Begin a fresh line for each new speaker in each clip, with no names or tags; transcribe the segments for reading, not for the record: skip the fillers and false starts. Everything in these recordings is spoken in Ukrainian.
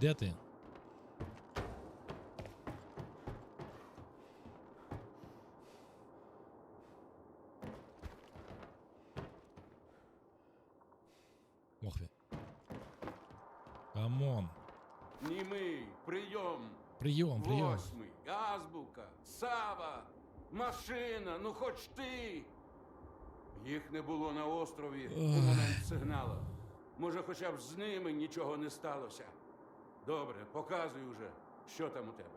Де ти? Ох ви. Камон.
Німий, прийом.
Прийом, прийом.
Восьмий, азбука, Сава, машина, ну хоч ти. Їх не було на острові у момент сигналу. Може, хоча б з ними нічого не сталося. Добре, показуй уже, що там у тебе.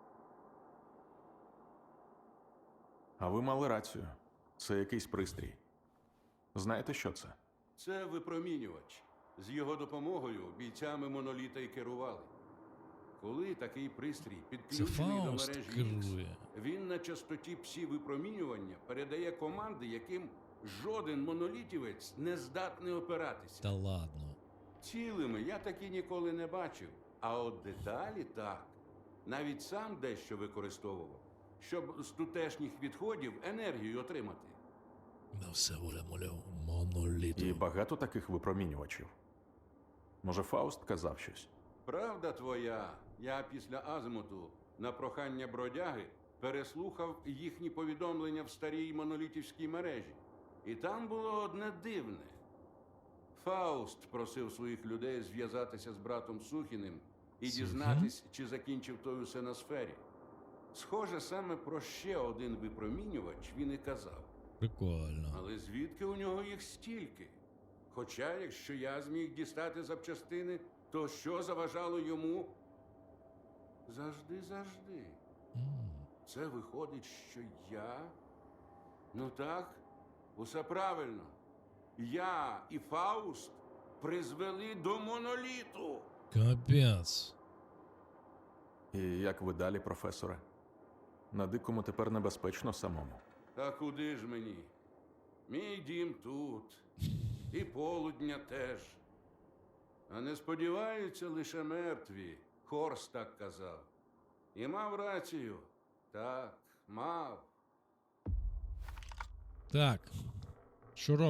А ви мали рацію. Це якийсь пристрій. Знаєте, що це?
Це випромінювач. З його допомогою бійцями моноліта й керували. Коли такий пристрій підключений до
Фауст
мережі X,
керує.
він на частоті псі-випромінювання передає команди, яким жоден монолітівець не здатний опиратися.
Та ладно.
Цілими я таки ніколи не бачив, а от деталі так. Навіть сам дещо використовував, щоб з тутешніх відходів енергію отримати.
На все воля моноліту.
І багато таких випромінювачів. Може, Фауст казав щось?
Правда твоя, я після Азимуту на прохання бродяги переслухав їхні повідомлення в старій монолітівській мережі. І там було одне дивне. Фауст просив своїх людей зв'язатися з братом Сухіним і дізнатись, чи закінчив той усе на сфері. Схоже, саме про ще один випромінювач він і казав.
Прикольно.
Але звідки у нього їх стільки? Хоча, якщо я зміг дістати запчастини, то що заважало йому? Завжди. Це виходить, що я? Ну так, усе правильно. Я і Фауст призвели до моноліту.
Капець.
І як ви далі, професоре? На дикому тепер небезпечно самому.
Та куди ж мені? Мій дім тут. І полудня теж. А не сподіваються лише мертві. Хорс так казав. І мав рацію. Так, мав.
Так. Що робимо?